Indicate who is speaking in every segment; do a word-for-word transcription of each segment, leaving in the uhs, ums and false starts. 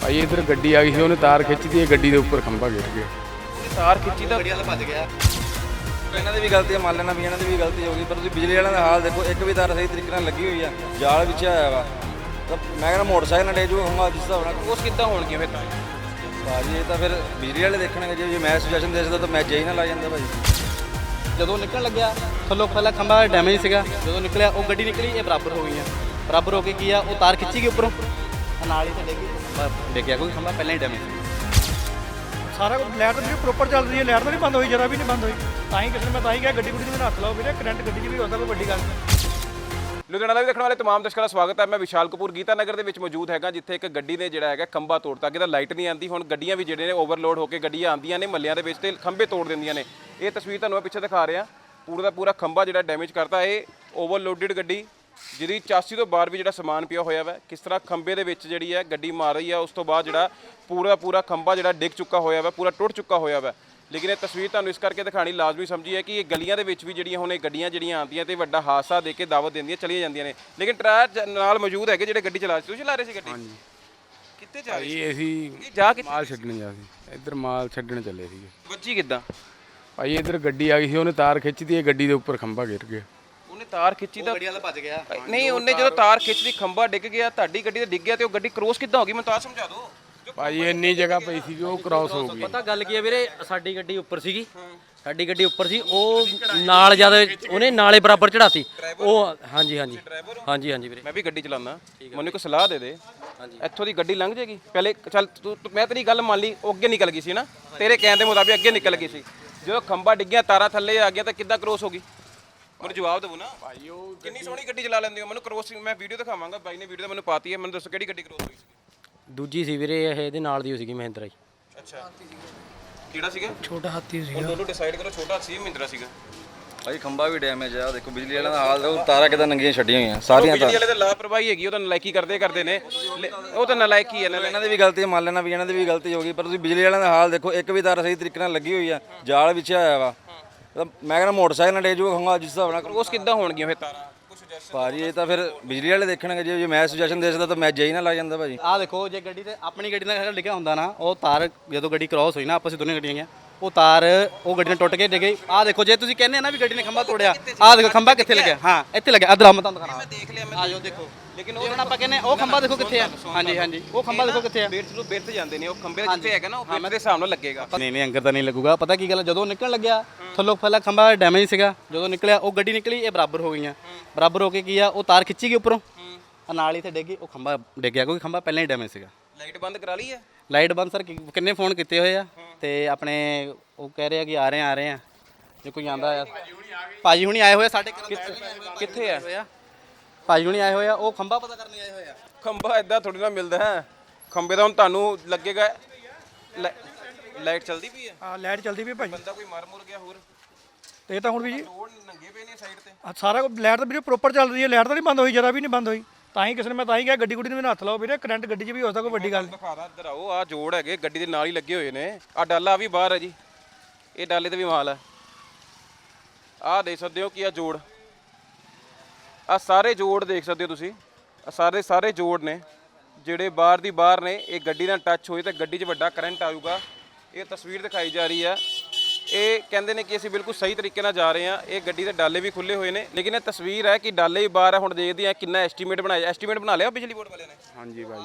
Speaker 1: ਭਾਈ ਇੱਧਰ ਗੱਡੀ ਆ ਗਈ ਸੀ, ਉਹਨੇ ਤਾਰ ਖਿੱਚਦੀ ਹੈ, ਗੱਡੀ ਦੇ ਉੱਪਰ ਖੰਭਾ ਗਿਰ ਗਿਆ।
Speaker 2: ਤਾਰ ਖਿੱਚੀ ਤਾਂ
Speaker 3: ਗੱਡੀ ਵਾਲਾ ਭੱਜ ਗਿਆ। ਇਹਨਾਂ ਦੀ ਵੀ ਗਲਤੀ ਹੈ, ਮੰਨ ਲੈਣਾ ਵੀ ਇਹਨਾਂ ਦੀ ਵੀ ਗਲਤੀ ਹੋ ਗਈ, ਪਰ ਤੁਸੀਂ ਬਿਜਲੀ ਵਾਲਿਆਂ ਦਾ ਹਾਲ ਦੇਖੋ, ਇੱਕ ਵੀ ਤਾਰ ਸਹੀ ਤਰੀਕੇ ਨਾਲ ਲੱਗੀ ਹੋਈ ਆ, ਜਾਲ ਵਿੱਚ ਆਇਆ ਵਾ। ਤਾਂ ਮੈਂ ਕਹਿੰਦਾ ਮੋਟਰਸਾਈਕਲ ਨਾਲ ਡੇ ਜੂ ਹੋਊਗਾ ਜਿਸ ਹਿਸਾਬ ਨਾਲ।
Speaker 2: ਉਸ ਕਿੱਦਾਂ ਹੋਣਗੀਆਂ ਫਿਰ?
Speaker 3: ਭਾਜੀ ਇਹ ਤਾਂ ਫਿਰ ਬਿਜਲੀ ਵਾਲੇ ਦੇਖਣਗੇ, ਜੇ ਜੇ ਮੈਂ ਸੁਜੈਸ਼ਨ ਦੇ ਸਕਦਾ ਤਾਂ ਮੈਂ ਜੇ ਹੀ ਨਾ ਲਾ ਜਾਂਦਾ ਭਾਜੀ।
Speaker 4: ਜਦੋਂ ਨਿਕਲਣ ਲੱਗਿਆ ਥੱਲੋਂ ਪਹਿਲਾਂ ਖੰਭਾ ਡੈਮੇਜ ਸੀਗਾ, ਜਦੋਂ ਨਿਕਲਿਆ ਉਹ ਗੱਡੀ ਨਿਕਲੀ, ਇਹ ਬਰਾਬਰ ਹੋ ਗਈਆਂ। ਬਰਾਬਰ ਹੋ ਕੇ ਕੀ ਆ, ਉਹ ਤਾਰ ਖਿੱਚੀ ਗਈ ਉੱਪਰੋਂ, ਨਾਲ ਹੀ ਤੇ ਡਿੱਗੀ, ਖੰਭਾ ਡਿੱਗਿਆ, ਕੋਈ ਖੰਭਾ ਪਹਿਲਾਂ ਹੀ ਡੈਮੇਜ ਸੀ।
Speaker 5: ਸਾਰਾ ਕੁਝ ਲਾਈਟ ਤਾਂ ਜਿਹੜੀ ਪ੍ਰੋਪਰ ਚੱਲ ਰਹੀ ਹੈ, ਲਾਈਟ ਤਾਂ ਨਹੀਂ ਬੰਦ ਹੋਈ, ਜਰਾ ਵੀ ਨਹੀਂ ਬੰਦ ਹੋਈ। ਤਾਂ ਹੀ ਕਿਸੇ ਨੇ ਮੈਂ ਤਾਂ ਹੀ ਕਿਹਾ ਗੱਡੀ ਗੁੱਡੀ ਨੂੰ ਹੱਥ ਲਾਓ ਵੀਰੇ, ਕਰੰਟ ਗੱਡੀ 'ਚ ਵੀ ਹੁੰਦਾ, ਕੋਈ ਵੱਡੀ ਗੱਲ ਨਹੀਂ।
Speaker 2: ਲੁਧਿਆਣਾ ਲਾਈਵ ਦੇਖਣ ਵਾਲੇ ਤਮਾਮ ਦਰਸ਼ਕਾਂ ਦਾ ਸਵਾਗਤ ਹੈ। ਮੈਂ ਵਿਸ਼ਾਲ ਕਪੂਰ ਗੀਤਾ ਨਗਰ ਦੇ ਵਿੱਚ ਮੌਜੂਦ ਹੈਗਾ, ਜਿੱਥੇ ਇੱਕ ਗੱਡੀ ਨੇ ਜਿਹੜਾ ਹੈਗਾ ਖੰਭਾ ਤੋੜਤਾ। ਅੱਗੇ ਤਾਂ ਲਾਈਟ ਨਹੀਂ ਆਉਂਦੀ, ਹੁਣ ਗੱਡੀਆਂ ਵੀ ਜਿਹੜੇ ਨੇ ਓਵਰਲੋਡ ਹੋ ਕੇ ਗੱਡੀਆਂ ਆਉਂਦੀਆਂ ਨੇ ਮੱਲਿਆਂ ਦੇ ਵਿੱਚ ਤੇ ਖੰਭੇ ਤੋੜ ਦਿੰਦੀਆਂ ਨੇ। ਇਹ ਤਸਵੀਰ ਤੁਹਾਨੂੰ ਮੈਂ ਪਿੱਛੇ ਦਿਖਾ ਰਿਹਾ, ਪੂਰਾ ਦਾ ਪੂਰਾ ਖੰਭਾ ਜਿਹੜਾ ਡੈਮੇਜ ਕਰਤਾ। ਇਹ ਓਵਰਲੋਡਡ ਗੱਡੀ ਜਿਹਦੀ ਚਾਸੀ ਤੋਂ ਬਾਹਰ ਵੀ ਜਿਹੜਾ ਸਮਾਨ ਪਿਆ ਹੋਇਆ ਵਾ, ਕਿਸ ਤਰ੍ਹਾਂ ਖੰਭੇ ਦੇ ਵਿੱਚ ਜਿਹੜੀ ਹੈ ਗੱਡੀ ਮਾਰ ਰਹੀ ਹੈ, ਉਸ ਤੋਂ ਬਾਅਦ ਜਿਹੜਾ ਪੂਰਾ ਪੂਰਾ ਖੰਭਾ ਜਿਹੜਾ ਡਿੱਗ ਚੁੱਕਾ ਹੋਇਆ ਵਾ, ਪੂਰਾ ਟੁੱਟ ਚੁੱਕਾ ਹੋਇਆ ਵਾ। ਲੇਕਿਨ ਇਹ ਤਸਵੀਰ ਤੁਹਾਨੂੰ ਇਸ ਕਰਕੇ ਦਿਖਾਣੀ ਲਾਜ਼ਮੀ ਸਮਝੀ ਹੈ ਕਿ ਇਹ ਗਲੀਆਂ ਦੇ ਵਿੱਚ ਵੀ ਜਿਹੜੀਆਂ ਹੁਣ ਇਹ ਗੱਡੀਆਂ ਜਿਹੜੀਆਂ ਆਉਂਦੀਆਂ ਤੇ ਵੱਡਾ ਹਾਦਸਾ ਦੇ ਕੇ ਦਾਵਤ ਦਿੰਦੀਆਂ ਚਲੀਆਂ ਜਾਂਦੀਆਂ ਨੇ। ਲੇਕਿਨ ਟਰੈਕ ਨਾਲ ਮੌਜੂਦ ਹੈਗੇ ਜਿਹੜੇ ਗੱਡੀ ਚਲਾ ਰਹੇ ਸੀ। ਤੁਸੀਂ ਚਲਾ ਰਹੇ ਸੀ ਗੱਡੀ?
Speaker 1: ਹਾਂਜੀ।
Speaker 2: ਕਿੱਥੇ ਜਾ ਰਹੇ ਸੀ?
Speaker 1: ਭਾਈ ਅਸੀਂ
Speaker 2: ਜਾ ਕੇ
Speaker 1: ਮਾਲ ਛੱਡਣ ਜਾ ਸੀ, ਇੱਧਰ ਮਾਲ ਛੱਡਣ ਚੱਲੇ ਸੀਗੇ।
Speaker 2: ਵੱਜੀ ਕਿੱਦਾਂ?
Speaker 1: ਭਾਈ ਇੱਧਰ ਗੱਡੀ ਆ ਗਈ ਸੀ, ਉਹਨੇ ਤਾਰ ਖਿੱਚਦੀ ਹੈ, ਗੱਡੀ ਦੇ ਉੱਪਰ ਖੰਭਾ ਗਿਰ ਗਿਆ।
Speaker 2: ਉਹਨੇ ਤਾਰ ਖਿੱਚੀ ਤਾਂ
Speaker 3: ਗੱਡੀ ਵਾਲਾ ਭੱਜ ਗਿਆ।
Speaker 2: ਨਹੀਂ, ਉਹਨੇ ਜਦੋਂ ਤਾਰ ਖਿੱਚਦੀ ਖੰਭਾ ਡਿੱਗ ਗਿਆ, ਤੁਹਾਡੀ ਗੱਡੀ ਤੇ ਡਿੱਗ ਗਿਆ ਤੇ ਉਹ ਗੱਡੀ ਕ੍ਰੋਸ ਕਿੱਦਾਂ ਹੋ ਗਈ? ਮੈਨੂੰ ਤਾਂ ਸਮਝਾ ਦਿਓ।
Speaker 1: ਭਾਈ ਇੰਨੀ ਜਗ੍ਹਾ ਪਈ ਸੀ ਉਹ ਕ੍ਰਾਸ ਹੋ ਗਈ।
Speaker 4: ਪਤਾ ਗੱਲ ਕੀ ਹੈ ਵੀਰੇ, ਸਾਡੀ ਗੱਡੀ ਉੱਪਰ ਸੀਗੀ, ਸਾਡੀ ਗੱਡੀ ਉੱਪਰ ਸੀ, ਉਹ ਨਾਲ ਜਦ ਉਹਨੇ ਨਾਲੇ ਬਰਾਬਰ ਚੜਾਤੀ ਉਹ। ਹਾਂਜੀ ਹਾਂਜੀ ਹਾਂਜੀ ਹਾਂਜੀ ਵੀਰੇ,
Speaker 2: ਮੈਂ ਵੀ ਗੱਡੀ ਚਲਾਉਂਦਾ, ਮੈਨੂੰ ਕੋਈ ਸਲਾਹ ਦੇ ਦੇ। ਇੱਥੋਂ ਦੀ ਗੱਡੀ ਲੰਘ ਜਾਏਗੀ ਪਹਿਲੇ? ਚੱਲ ਤੂੰ, ਮੈਂ ਤੇਰੀ ਗੱਲ ਮੰਨ ਲਈ, ਉਹ ਅੱਗੇ ਨਿਕਲ ਗਈ ਸੀ ਨਾ, ਤੇਰੇ ਕਹਿਣ ਦੇ ਮੁਤਾਬਿਕ ਅੱਗੇ ਨਿਕਲ ਗਈ ਸੀ। ਜਦੋਂ ਖੰਭਾ ਡਿੱਗਿਆ, ਤਾਰਾਂ ਥੱਲੇ ਆ ਗਿਆ, ਤਾਂ ਕਿੱਦਾਂ ਕ੍ਰੋਸ ਹੋ ਗਈ? ਮੈਨੂੰ ਜਵਾਬ ਦਿਓ ਨਾ ਭਾਈ। ਉਹ ਕਿੰਨੀ ਸੋਹਣੀ ਗੱਡੀ ਚਲਾ ਲੈਂਦੇ ਹੋ, ਮੈਨੂੰ ਕ੍ਰੋਸ ਮੈਂ ਵੀਡੀਓ ਦਿਖਾਵਾਂਗਾ, ਬਾਈ ਨੇ ਵੀਡੀਓ ਤਾਂ ਮੈਨੂੰ ਪਾਤੀ ਹੈ। ਮੈਨੂੰ ਦੱਸੋ ਕਿਹੜੀ ਗੱਡੀ ਕ੍ਰੋਸ ਹੋਈ ਸੀ?
Speaker 4: ਦੂਜੀ ਸੀ ਵੀਰੇ, ਇਹ ਇਹਦੇ ਨਾਲ ਦੀ ਸੀਗੀ, ਮਹਿੰਦਰਾ ਜੀ।
Speaker 2: ਅੱਛਾ, ਕਿਹੜਾ ਸੀਗਾ?
Speaker 5: ਛੋਟਾ ਹਾਥੀ ਸੀ।
Speaker 2: ਹੁਣ ਦੋਨੋਂ ਡਿਸਾਈਡ ਕਰੋ, ਛੋਟਾ ਸੀ ਮਹਿੰਦਰਾ ਸੀਗਾ।
Speaker 3: ਭਾਈ ਖੰਭਾ ਵੀ ਡੈਮੇਜ ਆ, ਦੇਖੋ ਬਿਜਲੀ ਵਾਲਿਆਂ ਦਾ ਹਾਲ ਦੇਖੋ, ਤਾਰਾਂ ਕਿਦਾਂ ਨੰਗੀਆਂ ਛੱਡੀਆਂ ਹੋਈਆਂ ਸਾਰੀਆਂ।
Speaker 2: ਬਿਜਲੀ ਵਾਲੇ ਤਾਂ ਲਾਪਰਵਾਹੀ ਹੈਗੀ, ਉਹ ਤਾਂ ਨਲਾਇਕੀ ਕਰਦੇ ਕਰਦੇ ਨੇ, ਉਹ ਤਾਂ ਨਲਾਇਕੀ ਹੈ।
Speaker 3: ਇਹਨਾਂ ਦੀ ਵੀ ਗਲਤੀ ਹੈ, ਮੰਨ ਲੈਣਾ ਵੀ ਇਹਨਾਂ ਦੀ ਵੀ ਗਲਤੀ ਹੋ ਗਈ, ਪਰ ਤੁਸੀਂ ਬਿਜਲੀ ਵਾਲਿਆਂ ਦਾ ਹਾਲ ਦੇਖੋ, ਇੱਕ ਵੀ ਤਾਰ ਸਹੀ ਤਰੀਕੇ ਨਾਲ ਲੱਗੀ ਹੋਈ ਆ, ਜਾਲ ਵਿੱਚ ਆਇਆ ਵਾ। ਤਾਂ ਮੈਂ ਕਹਿੰਦਾ ਮੋਟਰਸਾਈਕਲ ਨਾਲ ਡੇ ਜੂ ਹੋਊਗਾ ਜਿਸ ਹਿਸਾਬ ਨਾਲ।
Speaker 2: ਉਸ ਕਿੱਦਾਂ ਹੋਣਗੀਆਂ ਫਿਰ ਤਾਰਾਂ?
Speaker 3: ਭਾਜੀ ਇਹ ਤਾਂ ਫਿਰ ਬਿਜਲੀ ਵਾਲੇ ਦੇਖਣਗੇ, ਜੇ ਜੇ ਮੈਂ ਸੁਜੈਸ਼ਨ ਦੇ ਸਕਦਾ ਤਾਂ ਮੈਂ ਜੇ ਹੀ ਨਾ ਲਾ ਜਾਂਦਾ ਭਾਜੀ।
Speaker 4: ਆਹ ਦੇਖੋ, ਜੇ ਗੱਡੀ ਤੇ ਆਪਣੀ ਗੱਡੀ ਨਾਲ ਲਿਖਿਆ ਹੁੰਦਾ ਨਾ, ਉਹ ਤਾਰ ਜਦੋਂ ਗੱਡੀ ਕ੍ਰਾਸ ਹੋਈ ਨਾ, ਆਪਸ ਵਿੱਚ ਦੋਨੇ ਗੱਡੀਆਂ ਗਈਆਂ, ਉਹ ਤਾਰ ਉਹ ਗੱਡੀ ਨਾਲ ਟੁੱਟ ਕੇ ਡਿੱਗ ਗਈ। ਆਹ ਦੇਖੋ, ਜੇ ਤੁਸੀਂ ਕਹਿੰਦੇ ਨਾ ਵੀ ਗੱਡੀ ਨੇ ਖੰਭਾ ਤੋੜਿਆ, ਆਹ ਦੇਖੋ ਖੰਭਾ ਕਿੱਥੇ ਲੱਗਿਆ। ਹਾਂ ਇੱਥੇ ਲੱਗਿਆ, ਅਦਰ ਮੈਂ ਤੁਹਾਨੂੰ ਦਿਖਾਣਾ।
Speaker 2: ਮੈਂ ਦੇਖ ਲਿਆ, ਮੈਂ
Speaker 4: ਆ ਜਾਓ ਦੇਖੋ। ਲੇਕਿਨ ਉਹ ਆਪਾਂ ਕਹਿੰਦੇ ਉਹ ਖੰਭਾ ਦੇਖੋ ਕਿੱਥੇ ਆ। ਹਾਂਜੀ ਹਾਂਜੀ, ਉਹ ਖੰਭਾ ਦੇਖੋ ਕਿੱਥੇ ਆ।
Speaker 2: ਬਿਰਥ ਨੂੰ ਬਿਰਥ ਜਾਂਦੇ ਨੇ, ਉਹ ਖੰਭੇ ਜਿੱਥੇ ਹੈਗਾ ਨਾ, ਉਹ ਬਿਰਥ ਦੇ ਹਿਸਾਬ ਨਾਲ ਲੱਗੇਗਾ।
Speaker 4: ਨਹੀਂ ਨਹੀਂ, ਅੰਗਰ ਤਾਂ ਨਹੀਂ ਲੱਗੂਗਾ। ਪਤਾ ਕੀ ਗੱਲ, ਜਦੋਂ ਨਿਕਲਣ ਲੱਗਿਆ ਥੱਲੋਂ ਪਹਿਲਾਂ ਖੰਭਾ ਡੈਮੇਜ ਸੀਗਾ, ਜਦੋਂ ਨਿਕਲਿਆ ਉਹ ਗੱਡੀ ਨਿਕਲੀ, ਇਹ ਬਰਾਬਰ ਹੋ ਗਈਆਂ। ਬਰਾਬਰ ਹੋ ਕੇ ਕੀ ਆ, ਉਹ ਤਾਰ ਖਿੱਚੀ ਗਈ ਉੱਪਰੋਂ, ਨਾਲ ਹੀ ਤੇ ਡਿੱਗੀ, ਉਹ ਖੰਭਾ ਡਿੱਗਿਆ, ਕੋਈ ਖੰਭਾ ਪਹਿਲਾਂ ਹੀ ਡੈਮੇਜ ਸੀਗਾ।
Speaker 2: ਲਾਈਟ ਬੰਦ ਕਰਾ ਲਈ ਹੈ?
Speaker 4: ਲਾਈਟ ਬੰਦ ਸਰ ਕਿੰਨੇ ਫੋਨ ਕੀਤੇ ਹੋਏ ਆ, ਤੇ ਆਪਣੇ ਉਹ ਕਹਿ ਰਹੇ ਆ ਕਿ ਆ ਰਹੇ ਆ ਆ ਰਹੇ ਆ, ਜੇ ਕੋਈ ਆਂਦਾ ਆ। ਭਾਜੀ ਹੁਣੀ ਆਏ ਹੋਏ ਆ ਸਾਡੇ।
Speaker 2: ਕਿੱਥੇ ਆ
Speaker 4: ਭਾਜੀ ਹੁਣੀ ਆਏ ਹੋਏ ਆ, ਉਹ ਖੰਭਾ ਪਤਾ ਕਰਨ ਆਏ ਹੋਏ ਆ।
Speaker 2: ਖੰਭਾ ਇਦਾਂ ਥੋੜੀ ਨਾ ਮਿਲਦਾ ਹੈ, ਖੰਭੇ ਦਾ ਹੁਣ ਤੁਹਾਨੂੰ ਲੱਗੇਗਾ। ਲਾਈਟ ਚੱਲਦੀ ਵੀ ਹੈ?
Speaker 5: ਹਾਂ ਲਾਈਟ ਚੱਲਦੀ ਵੀ ਭਾਜੀ।
Speaker 2: ਬੰਦਾ ਕੋਈ ਮਰ ਮੁਰ ਗਿਆ ਹੋਰ?
Speaker 5: ਤੇ ਇਹ ਤਾਂ ਹੁਣ ਵੀ ਜੀ
Speaker 2: ਰੋਡ ਨੰਗੇ ਪਏ ਨੇ ਸਾਈਡ ਤੇ।
Speaker 5: ਆਹ ਸਾਰਾ ਕੁਝ ਲਾਈਟ ਤਾਂ ਵੀਰੇ ਪ੍ਰੋਪਰ ਚੱਲ ਰਹੀ ਹੈ, ਲਾਈਟ ਤਾਂ ਨਹੀਂ ਬੰਦ ਹੋਈ, ਜਰਾ ਵੀ ਨਹੀਂ ਬੰਦ ਹੋਈ। ਤਾਂ ਹੀ ਕਿਸੇ ਨੇ ਮੈਂ ਤਾਂ ਹੀ ਕਿਹਾ ਗੱਡੀ ਗੁੱਡੀ ਨੂੰ ਹੱਥ ਲਾਓ ਵੀਰੇ, ਕਰੰਟ ਗੱਡੀ 'ਚ ਵੀ ਹੋ ਸਕਦਾ, ਕੋਈ ਵੱਡੀ ਗੱਲ ਨਹੀਂ।
Speaker 2: ਦਿਖਾ ਦਾ ਇੱਧਰ ਆਓ, ਆਹ ਜੋੜ ਹੈਗੇ ਗੱਡੀ ਦੇ ਨਾਲ ਹੀ ਲੱਗੇ ਹੋਏ ਨੇ। ਆਹ ਡਾਲਾ ਵੀ ਬਾਹਰ ਹੈ ਜੀ, ਇਹ ਡਾਲੇ ਤੇ ਵੀ ਮਾਲ ਹੈ। ਆਹ ਦੇਖ ਸਕਦੇ ਹੋ ਕਿ ਆਹ ਜੋੜ, ਆਹ ਸਾਰੇ ਜੋੜ ਦੇਖ ਸਕਦੇ ਹੋ ਤੁਸੀਂ, ਆਹ ਸਾਰੇ ਸਾਰੇ ਜੋੜ ਨੇ ਜਿਹੜੇ ਬਾਹਰ ਦੀ ਬਾਹਰ ਨੇ। ਇਹ ਗੱਡੀ ਨਾਲ ਟੱਚ ਹੋਈ ਤਾਂ ਗੱਡੀ 'ਚ ਵੱਡਾ ਕਰੰਟ ਆਊਗਾ। ਇਹ ਤਸਵੀਰ ਦਿਖਾਈ ਜਾ ਰਹੀ ਆ, ਇਹ ਕਹਿੰਦੇ ਨੇ ਕਿ ਅਸੀਂ ਬਿਲਕੁਲ ਸਹੀ ਤਰੀਕੇ ਨਾਲ ਜਾ ਰਹੇ ਹਾਂ। ਇਹ ਗੱਡੀ ਦੇ ਡਾਲੇ ਵੀ ਖੁੱਲੇ ਹੋਏ ਨੇ, ਲੇਕਿਨ ਇਹ ਤਸਵੀਰ ਹੈ ਕਿ ਡਾਲੇ ਹੀ ਬਾਹਰ ਹੈ। ਹੁਣ ਦੇਖਦੇ ਹਾਂ ਕਿੰਨਾ ਐਸਟੀਮੇਟ ਬਣਾਇਆ। ਐਸਟੀਮੇਟ ਬਣਾ ਲਿਆ ਬਿਜਲੀ ਬੋਰਡ ਵਾਲਿਆਂ ਨੇ?
Speaker 1: ਹਾਂਜੀ ਭਾਈ।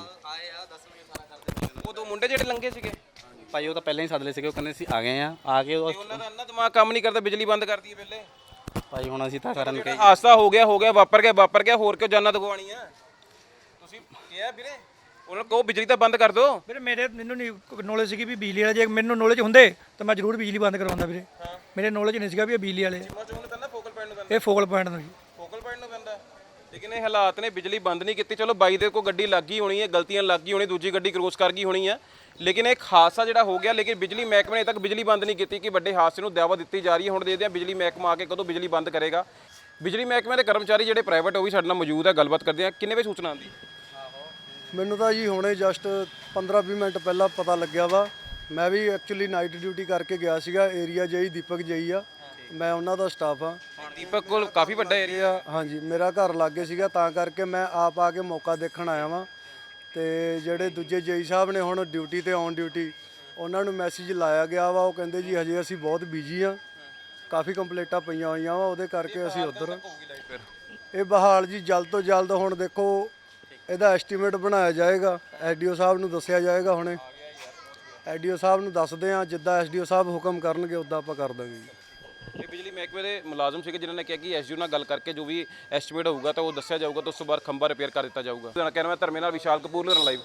Speaker 2: ਉਹ ਦੋ ਮੁੰਡੇ ਜਿਹੜੇ ਲੰਘੇ ਸੀਗੇ
Speaker 4: ਭਾਈ ਉਹ ਤਾਂ ਪਹਿਲਾਂ ਹੀ ਸੱਦ ਲਏ ਸੀਗੇ, ਉਹ ਕਹਿੰਦੇ ਸੀ ਆ ਗਏ ਆ, ਆ ਕੇ ਉਹ
Speaker 2: ਉਹਨਾਂ ਦਾ ਇੰਨਾ ਦਿਮਾਗ ਕੰਮ ਨਹੀਂ ਕਰਦਾ, ਬਿਜਲੀ ਬੰਦ ਕਰਦੀ ਹੈ ਪਹਿਲੇ।
Speaker 4: ਭਾਈ ਹੁਣ ਅਸੀਂ ਤਾਂ ਕਰਨ ਕਹੀ।
Speaker 2: ਹਾਦਸਾ ਹੋ ਗਿਆ ਹੋ ਗਿਆ, ਵਾਪਰ ਗਿਆ ਵਾਪਰ ਗਿਆ, ਹੋਰ ਕਿਉਂ ਜਾਨਾਂ ਦਗਵਾਉਣੀ ਆ? ਤੁਸੀਂ ਕਿਹਾ ਵੀਰੇ ਉਹਨਾਂ ਨੂੰ ਕਹੋ ਬਿਜਲੀ ਤਾਂ ਬੰਦ ਕਰ ਦਿਓ।
Speaker 5: ਵੀਰੇ ਮੇਰੇ ਮੈਨੂੰ ਨਹੀਂ ਨੌਲੇਜ ਸੀਗੀ ਵੀ ਬਿਜਲੀ ਵਾਲੇ, ਜੇ ਮੈਨੂੰ ਨੌਲੇਜ ਹੁੰਦੇ ਤਾਂ ਮੈਂ ਜ਼ਰੂਰ ਬਿਜਲੀ ਬੰਦ ਕਰਵਾਉਂਦਾ ਵੀਰੇ। ਮੇਰੇ ਨੌਲੇਜ ਨਹੀਂ ਸੀਗਾ ਵੀ ਇਹ ਬਿਜਲੀ ਵਾਲੇ।
Speaker 2: ਫੋਕਲ ਪੁਆਇੰਟ ਨੂੰ ਪੈਂਦਾ,
Speaker 5: ਇਹ ਫੋਕਲ ਪੁਆਇੰਟ ਨੂੰ ਜੀ,
Speaker 2: ਫੋਕਲ ਪੁਆਇੰਟ ਨੂੰ ਪੈਂਦਾ। ਲੇਕਿਨ ਇਹ ਹਾਲਾਤ ਨੇ, ਬਿਜਲੀ ਬੰਦ ਨਹੀਂ ਕੀਤੀ। ਚਲੋ ਬਾਈ ਦੇ ਕੋਲ ਗੱਡੀ ਲੱਗ ਗਈ ਹੋਣੀ ਹੈ, ਗਲਤੀਆਂ ਲੱਗ ਗਈ ਹੋਣੀ, ਦੂਜੀ ਗੱਡੀ ਕ੍ਰੋਸ ਕਰ ਗਈ ਹੋਣੀ ਹੈ, ਲੇਕਿਨ ਇੱਕ ਹਾਦਸਾ ਜਿਹੜਾ ਹੋ ਗਿਆ। ਲੇਕਿਨ ਬਿਜਲੀ ਮਹਿਕਮੇ ਨੇ ਤੱਕ ਬਿਜਲੀ ਬੰਦ ਨਹੀਂ ਕੀਤੀ ਕਿ ਵੱਡੇ ਹਾਦਸੇ ਨੂੰ ਦਾਅਵਾ ਦਿੱਤੀ ਜਾ ਰਹੀ ਹੈ। ਹੁਣ ਦੇਖਦੇ ਹਾਂ ਬਿਜਲੀ ਮਹਿਕਮਾ ਆ ਕੇ ਕਦੋਂ ਬਿਜਲੀ ਬੰਦ ਕਰੇਗਾ। ਬਿਜਲੀ ਮਹਿਕਮੇ ਦੇ ਕਰਮਚਾਰੀ ਜਿਹੜੇ ਪ੍ਰਾਈਵੇਟ ਉਹ ਵੀ ਸਾਡੇ ਨਾਲ ਮੌਜੂਦ ਹੈ, ਗੱਲਬਾਤ ਕਰਦੇ ਹਾਂ। ਕਿੰਨੇ ਵਜੇ ਸੂਚਨਾ ਆਉਂਦੀ?
Speaker 6: ਮੈਨੂੰ ਤਾਂ ਜੀ ਹੁਣੇ ਜਸਟ ਪੰਦਰਾਂ ਵੀਹ ਮਿੰਟ ਪਹਿਲਾਂ ਪਤਾ ਲੱਗਿਆ ਵਾ। ਮੈਂ ਵੀ ਐਕਚੁਅਲੀ ਨਾਈਟ ਡਿਊਟੀ ਕਰਕੇ ਗਿਆ ਸੀਗਾ। ਏਰੀਆ ਜਈ ਦੀਪਕ ਜਈ ਆ, ਮੈਂ ਉਹਨਾਂ ਦਾ ਸਟਾਫ ਆ।
Speaker 2: ਦੀਪਕ ਕੋਲ ਕਾਫੀ ਵੱਡਾ ਏਰੀਆ।
Speaker 6: ਹਾਂਜੀ, ਮੇਰਾ ਘਰ ਲਾਗੇ ਸੀਗਾ, ਤਾਂ ਕਰਕੇ ਮੈਂ ਆਪ ਆ ਕੇ ਮੌਕਾ ਦੇਖਣ ਆਇਆ ਵਾਂ। ਤੇ ਜਿਹੜੇ ਦੂਜੇ ਜੇਈ ਸਾਹਿਬ ਨੇ ਹੁਣ ਡਿਊਟੀ ਤੇ ਔਨ ਡਿਊਟੀ, ਉਹਨਾਂ ਨੂੰ ਮੈਸੇਜ ਲਾਇਆ ਗਿਆ ਵਾ। ਉਹ ਕਹਿੰਦੇ ਜੀ ਹਜੇ ਅਸੀਂ ਬਹੁਤ ਬਿਜੀ ਆ, ਕਾਫੀ ਕੰਪਲੇਂਟਾਂ ਪਈਆਂ ਹੋਈਆਂ ਵਾ, ਉਹਦੇ ਕਰਕੇ ਅਸੀਂ ਉੱਧਰ ਇਹ ਬਹਾਲ ਜੀ ਜਲਦ ਤੋਂ ਜਲਦ। ਹੁਣ ਦੇਖੋ ਇਹਦਾ ਐਸਟੀਮੇਟ ਬਣਾਇਆ ਜਾਏਗਾ, ਐਸਡੀਓ ਸਾਹਿਬ ਨੂੰ ਦੱਸਿਆ ਜਾਏਗਾ। ਹੁਣੇ ਐਸਡੀਓ ਸਾਹਿਬ ਨੂੰ ਦੱਸਦੇ ਆ, ਜਿੱਦਾਂ ਐਸਡੀਓ ਸਾਹਿਬ ਹੁਕਮ ਕਰਨਗੇ ਉੱਦਾਂ ਆਪਾਂ ਕਰ ਦਾਂਗੇ ਜੀ।
Speaker 2: ਇਹ ਬਿਜਲੀ ਮਹਿਕਮੇ ਦੇ ਮੁਲਾਜ਼ਮ ਸੀਗੇ ਜਿਨ੍ਹਾਂ ਨੇ ਕਿਹਾ ਕਿ ਐਸਡੀਓ ਨਾਲ ਗੱਲ ਕਰਕੇ ਜੋ ਵੀ ਐਸਟੀਮੇਟ ਹੋਊਗਾ ਤਾਂ ਉਹ ਦੱਸਿਆ ਜਾਊਗਾ, ਤਾਂ ਉਸ ਤੋਂ ਬਾਅਦ ਖੰਭਾ ਰਿਪੇਅਰ ਕਰ ਦਿੱਤਾ ਜਾਊਗਾ। ਕਹਿਣਾ ਮੈਂ ਧਰਮੇ ਨਾਲ ਵਿਸ਼ਾਲ ਕਪੂਰ, ਲੁਧਿਆਣਾ ਲਾਈਵ।